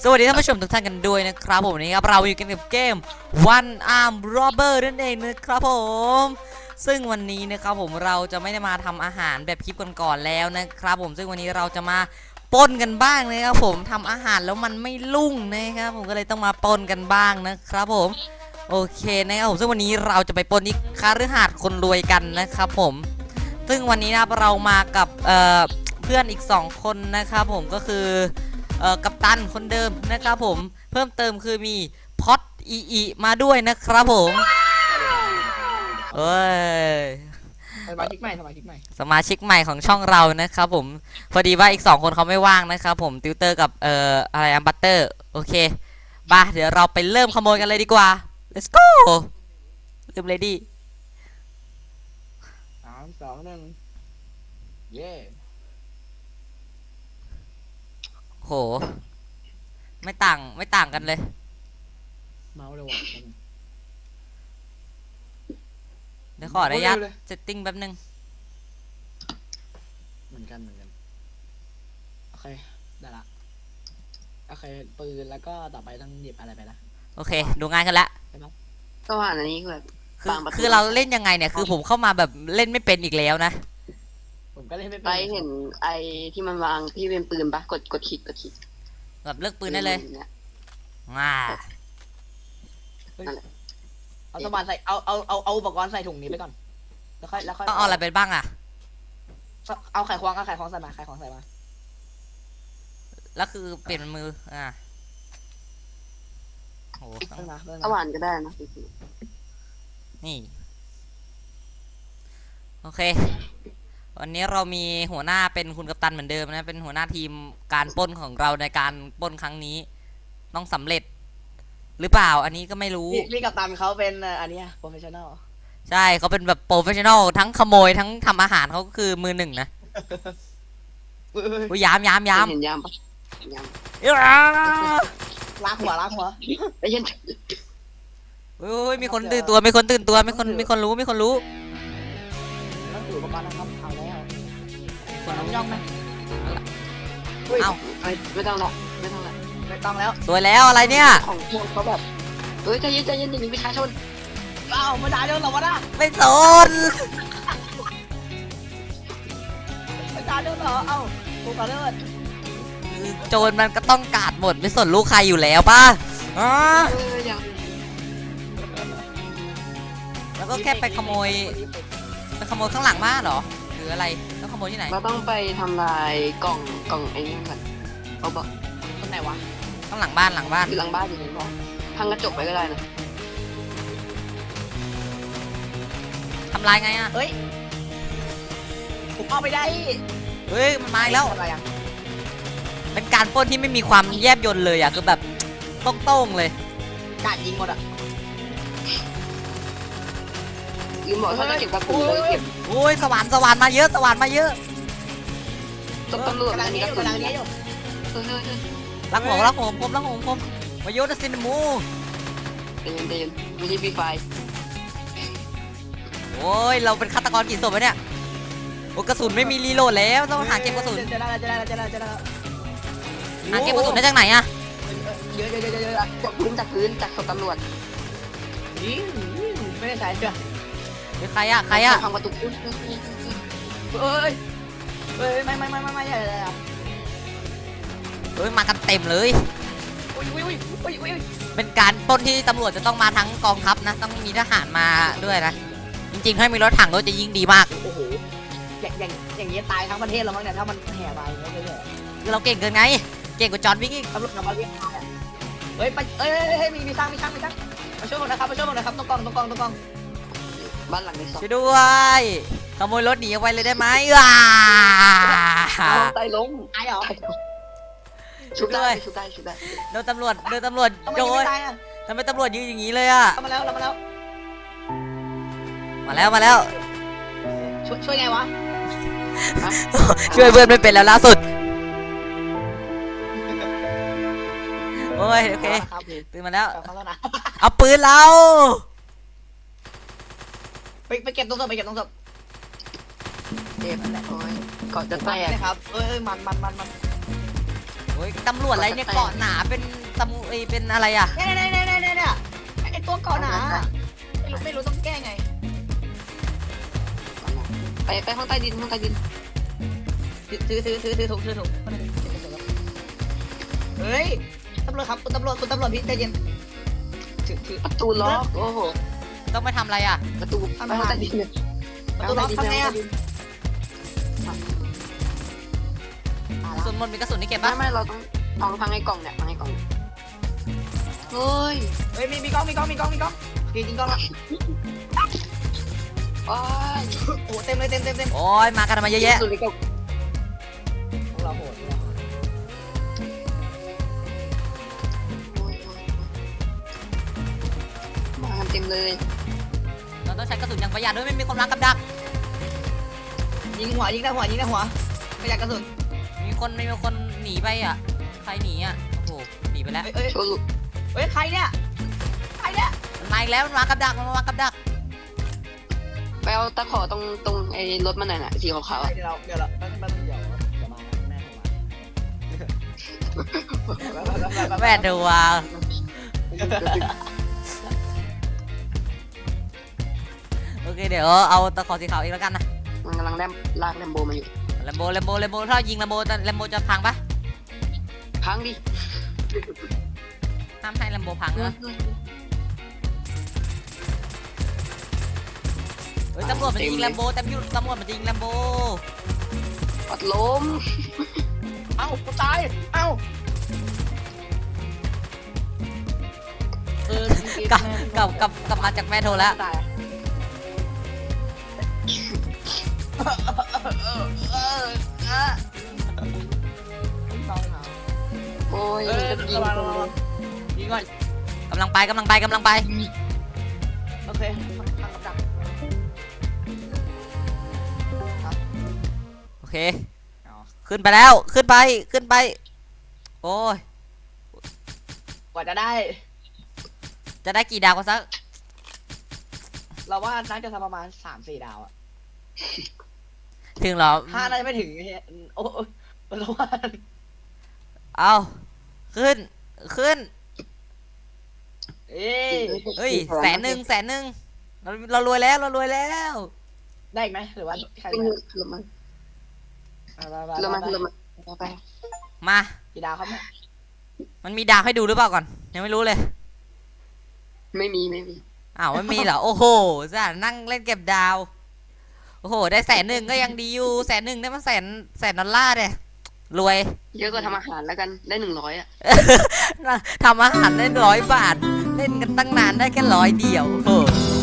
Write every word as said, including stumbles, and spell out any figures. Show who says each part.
Speaker 1: สวัสดีท่านผู้ชมทุกท่านกันด้วยนะครับผมนี่ครับเราอยู่กันกับเกม One Arm Robber นั่นเองนะครับผมซึ่งวันนี้นะครับผมเราจะไม่ได้มาทำอาหารแบบคลิปก่อนๆแล้วนะครับผมซึ่งวันนี้เราจะมาปล้นกันบ้างนะครับผมทำอาหารแล้วมันไม่รุ่งนะครับผมก็เลยต้องมาปล้นกันบ้างนะครับผมโอเคนะครับผมซึ่งวันนี้เราจะไปปล้นที่คฤหาสน์คนรวยกันนะครับผมซึ่งวันนี้นะเรามากับเอ่อเพื่อนอีกสองคนนะครับผมก็คือเอ่อกัปตันคนเดิมนะครับผมเพิ่มเติมคือมีพอดอีอีมาด้วยนะครับผมเอ้ย
Speaker 2: สมาชิกใหม่สมาชิกใหม่
Speaker 1: สมาชิกใหม่ของช่องเรานะครับผมพอดีว่าอีกสองคนเขาไม่ว่างนะครับผมติวเตอร์กับเอ่ออะไรอัมบัตเตอร์โอเคป่ะเดี๋ยวเราไปเริ่มขโมยกันเลยดีกว่า let's go เริ่มเลยดิ
Speaker 2: สามสองหนึ่งเย่
Speaker 1: โหไม่ต่างไม่ต่างกันเลย
Speaker 2: เมาเลยว่ะ
Speaker 1: เดี๋ยวขออนุญาตเซตติ้งแป๊บนึง
Speaker 2: เหมือนกันเหมือนกันโอเคได้ละโอเคปืนแล้วก็ต่อไปต้องหยิบอะไรไปนะ
Speaker 1: โอเคดูง่ายขึ้นละ
Speaker 3: ก็ว่าอันนี้คือแบบ
Speaker 1: คือ
Speaker 3: ต่างประเทศ
Speaker 1: คือเราเล่นยังไงเนี่ยคือผมเข้ามาแบบเล่นไม่เป็นอีกแล้วนะ
Speaker 2: ผมก็เล่นไม่เป็
Speaker 3: ไป
Speaker 2: น
Speaker 3: เห็นไอ้ที่มันวางที่เป็นปืนปะกดกดคลิกกดคลิก
Speaker 1: แบบเลือกปืนได้เลย
Speaker 3: นี่
Speaker 1: ง่า
Speaker 2: เอาสมบัติใส่เอาเอาเอาเอาอุปกรณ์ใส่ถุงนี้ไปก่อนแล้วค่อยแล้วค่อย
Speaker 1: ต้องเอาอะไรไปบ้างอ่ะ
Speaker 2: เอาไข่ควงเอาไข่ควงใส่มาไข่ควงใส่มา
Speaker 1: แล้วคือเปลี่ยนเป็นมืออ่าโห
Speaker 2: เพิ่มมาเพิ่ม
Speaker 3: ส
Speaker 2: มา
Speaker 3: ว่านก็ได้นะ
Speaker 1: นี่โอเควันนี้เรามีหัวหน้าเป็นคุณกัปตันเหมือนเดิมนะเป็นหัวหน้าทีมการปล้นของเราในการปล้นครั้งนี้ต้องสำเร็จหรือเปล่าอันนี้ก็ไม่รู้
Speaker 2: พี่พี่กัปตันเขาเป็นเอ่ออันเนี้ยโปรเฟชชั่นอล
Speaker 1: ใช่เขาเป็นแบบโปรเฟชชั่นอลทั้งขโมยทั้งทำอาหารเขาก็คือมือหนึ่งนะอุ้ยยามยามยาม
Speaker 3: เห็นยามปะยาม
Speaker 1: เอ้ย
Speaker 2: ล้างหัวล้างหัว
Speaker 3: ไอ้ยัน
Speaker 1: อุ้ยมีคนตื่นตัวมีคนตื่นตัวมีคนมีคนรู้มีคนรู้
Speaker 2: ต้องถืออุปกรณ์นะครับเอาแล้ว
Speaker 1: มีคนรู้
Speaker 2: ย่องไหม
Speaker 1: เอ้า
Speaker 3: ไม่ต้องละไม่ต้องละ
Speaker 2: ไม่ต้องแล้ว
Speaker 1: สวยแล้วอะไรเนี่ย
Speaker 3: ของพวกเขาแบบเฮ้ยใจเย็นใจเย็นอย่าหนีประชาชน
Speaker 2: เอ้าไม่ได้เดี๋ยวเราวะนะ
Speaker 1: ไม่สน
Speaker 2: ไม่ได้เดี๋ยวเหรอเอ้ากูขอโทษ
Speaker 1: โจรมันก็ต้องกาดหมดไม่สนลูกใครอยู่แล้วป่ะอ๋อ
Speaker 3: เอออย่าง
Speaker 1: แล้วก็แค่ไปขโมยไปขโมยข้างหลังบ้านเหรอหรืออะไรแล้วขโมยที่ไหน
Speaker 3: เราต้องไปทำลายกล่องกล่องไอ้นี่ก่อนเขาบอก
Speaker 2: คนไหนวะ
Speaker 1: ข้างหลังบ้านหลังบ้าน
Speaker 3: อยู่หลังบ้านอยู่ในห้องพังกระจกไปก็ได้นะ
Speaker 1: ทำลายไงอ่ะ
Speaker 2: เฮ้ยผมเอาไปได้
Speaker 1: เฮ้ยมันมาอีกแล้ว
Speaker 2: อะไรอ่ะ
Speaker 1: เป็นการปล้นที่ไม่มีความแยบยลเลยอ่ะคือแบบโต้งๆเลย
Speaker 2: กาดยิงหมดอ่ะ
Speaker 3: ลืมบอกเขาจะเก็บกระสุนเลยเก็บ
Speaker 1: โอ้ยสว่านสว่านมาเยอะสว่านมาเยอะ
Speaker 3: ตำรวจ
Speaker 2: กำลัง
Speaker 3: มี
Speaker 2: นี้
Speaker 3: ก
Speaker 2: อ
Speaker 3: ระ
Speaker 2: ยู่
Speaker 3: สุน
Speaker 2: กำลังนี้อยู่
Speaker 3: เออเออเออ
Speaker 1: รักผมรักผมผมรักผมผมมาโยนซินมู
Speaker 3: ใจเย็นใจเย็นไม่ใช่ฟรีไฟ
Speaker 1: โอ้ยเราเป็นฆาตกรกี่ศพวะเนี่ยโอ้กระสุนไม่มีรีโหลดแล้วต้องหาเก็บกระสุน
Speaker 2: จะได้จะได้จะได้จะได้
Speaker 1: หาเก็บกระสุนได้จากไหนอ่ะ
Speaker 2: เยอะเยอะเยอะเยอะ
Speaker 3: จากพื้นจากพื้นจากศพตำรวจ
Speaker 2: ไม่ได้ใช้เชื่อ
Speaker 1: หรือใครอ่ะใครอ่ะ
Speaker 3: ทำประตูพื้น
Speaker 2: เอ้ยเอ้ยไม่ไม่ไม่ไม่ไม่ใช่เลยอ่ะ
Speaker 1: เฮ้ยมากันเต็มเลย
Speaker 2: อุ้ยอุ้ยอุ้ยอุ้ยอุ้ย
Speaker 1: เป็นการปล้นที่ตำรวจจะต้องมาทั้งกองทัพนะต้องมีทหารมาด้วยนะจริงๆถ้ามีรถถังรถจะยิ่งดีมาก
Speaker 2: โอ้โหอย่างอย่างอย่างนี้ตายทั้งประเทศแล้วมั้งเนี่ยถ้ามันแห่ไปเรื่อย
Speaker 1: คือเราเก่งเกินไงเก่งกว่าจอห์นวิกอีก
Speaker 2: ๆตำรวจมาเรียกเฮ้ยไปเอ้ยเฮ้ยมีมีช่างมีช่างมีช่างมาช่วยผมนะครับมาช่วยผมนะครับต้องกองต้องกองต้องกอง
Speaker 3: บ้านหลังที่สอง
Speaker 1: ช่วยด้วยขโมยรถหนีออกไปเลยได้ไหมว้า
Speaker 3: ไตล้ม
Speaker 2: ตายเหรอ
Speaker 3: ชุบได้ชุบได้ชุบได้
Speaker 1: โดนตำรวจโดนตำรวจ
Speaker 2: ทำไม
Speaker 1: โด
Speaker 2: ยัง
Speaker 1: น
Speaker 2: ไม่ตายอ่ะ
Speaker 1: ทำไมตำรวจยืนอย่างนี้เลยอ่ะ
Speaker 2: เรามาแล้วเรามาแล้ว
Speaker 1: มาแล้วมาแล้ว
Speaker 2: ช่วยช่วยไงวะ
Speaker 1: ช่วยเพื่อนไม่เป็นแล้วล่าสุดโอ้ยโอเค
Speaker 2: ครับ
Speaker 1: ตื่นมาแล้ว
Speaker 2: เขาแล้วนะ
Speaker 1: เอาปืนเรา
Speaker 2: ไปไปเก็บตรงศพไปเก็บตรงศพ
Speaker 3: เจ็บโอ้ยก่อนจะแตก
Speaker 2: นะครับเอ้ยมันมันมันมัน
Speaker 1: โอ้อ้ยตำรวจอะไรเนี่ยเกาะหนาเป็นตำรวจเป็นอะไรอ่ะ
Speaker 4: เนี่ยเนี่ยเนี่ยเนี่ยเนี่ยเนี่ยไอตัวเกาะหนาไม่รู้ไม่รู้ต้องแก้ไง
Speaker 3: ไปไปห้องใต้ดินห้องใต้ดิน
Speaker 4: ถือถือถือถือถือถุงถือถุงเฮ้ยตำรวจครับคุณตำรวจคุณตำรวจพี่ใจเย็นถือถือ
Speaker 3: ประตูล็อกโอ้โห
Speaker 1: ต้องไปทำอะไรอ่ะ
Speaker 3: ประตูไปห้องใต้ดินเลย
Speaker 4: ประตูล็อกทำไงอ่ะ
Speaker 1: กระสุนหมดมีกระสุนนี่เก็บ
Speaker 3: ไม่
Speaker 1: ปะ
Speaker 3: ไม่เราต้องลองพังไอ้กล่องเนี่ยพังไอ้กล่องเฮ้ย
Speaker 4: เฮ้ยมีมีกล้องมีกล้องมีกล้องมีกล้องจริงจริงกล้องละ
Speaker 3: โอ้ย
Speaker 4: โอ้เต็มเลยเต็มเต็มเต็ม
Speaker 1: โอ้ยมากันมาเยอะแยะ
Speaker 3: สุดเลยกล่อง
Speaker 4: พวกเราโหด
Speaker 3: มากันเต็มเลย
Speaker 1: เราต้องใช้กระสุนอย่างประหยัดด้วยไม่มีคนรักกับดัก
Speaker 4: ยิงหัวยิงหน้าหัวยิงหน้าหัวไม่อยากกระสุน
Speaker 1: มีคนไม่มีคนหนีไปอ่ะใครหนีอ่ะโอ้โหหนีไปแล้ว
Speaker 4: เอ้ย
Speaker 3: โชว์ลูก
Speaker 4: เฮ้ยใครเนี่ยใครเนี่ย
Speaker 1: มันมาอีกแล้วมันมากับดักมันมากับดัก
Speaker 3: ไปเอาตะขอตรงตรงไอ้รถมันหน่อยน่ะสีขาวๆอ่ะ
Speaker 4: เดี๋ยวเราเดี๋ยวเราแป๊บนึงเดี๋ยวเดี๋ยวมาแม่ผมมา
Speaker 1: แม่ดูว่าโอเคเดี๋ยวเอาตะขอสีขาวอีกแล้วกันนะ
Speaker 3: มันกำลังแลมลากแลมโบมาอยู่
Speaker 1: แลมโบแลมโบแลมโบถ้ายิงแลมโบแลมโบจะพังปะ
Speaker 3: พังดิ
Speaker 1: ห้ามให้แลมโบพังนะเฮ้ยตำรวจมันจะยิงแลมโบตำรวจตำรวจมันจะยิงแลมโบ
Speaker 3: ปัดล้ม
Speaker 4: เอ้ากูตายเอ้าเออก
Speaker 1: ลับกลับกลับกลับมาจากแม่โทรแล้ว
Speaker 4: ตายเออเออเออต้องเอา
Speaker 3: โอ้ย
Speaker 4: เออ
Speaker 3: จะยิง
Speaker 4: ระวัง
Speaker 3: ตร
Speaker 4: ระ
Speaker 3: ง
Speaker 4: วัง
Speaker 3: เล
Speaker 4: ระวั
Speaker 3: ย
Speaker 4: งยิงก่อน
Speaker 1: กำลังไปกำลังไปกำลังไป
Speaker 4: โอเคพังพังกับดัก
Speaker 1: โอเค ขึ้นไปแล้วขึ้นไปขึ้นไป โอ้ย
Speaker 4: กว่าจะได้
Speaker 1: จะได้กี่ดาวกันสัก
Speaker 4: เราว่าน่าจะทำประมาณสามสี่ดาวอะ
Speaker 1: ถึงเหรอ
Speaker 4: ห้าน่าจะไม่ถึงเฮ้ยโอ้ยเราว่า
Speaker 1: เอาขึ้นขึ้น
Speaker 4: เอ้ย
Speaker 1: เฮ้ยแสนหนึ่งแสนหนึ่งเราเรารวยแล้วเรารวยแล้ว
Speaker 4: ได้อีกไหมหรือว่าใคร
Speaker 3: ขึ้น
Speaker 4: ได้
Speaker 3: เรือมัน
Speaker 4: ไป
Speaker 3: เรือ
Speaker 4: ไป
Speaker 3: มัน
Speaker 4: ไป
Speaker 3: เรือมันไป
Speaker 1: มา
Speaker 4: กี่ดาวครับเนี่ย
Speaker 1: มันมีดาวให้ดูหรือเปล่าก่อนยังไม่รู้เลย
Speaker 3: ไม่มีไม่มี
Speaker 1: อ้าวไม่มีเหรอ โอ้โหจ้ะนั่งเล่นเก็บดาว โอ้โห ได้แสนหนึ่งก็ยังดีอยู่แสนหนึ่งได้มาแสนแสนดอลลาร์เนี่ยรวย
Speaker 3: เยอะกว่าทำอาหารแล้วกันได้หนึ่งร้อยอ่ะ
Speaker 1: ทำอาหารได้ร้อยบาท เล่นกันตั้งนานได้แค่ร้อยเดียวโอ้โห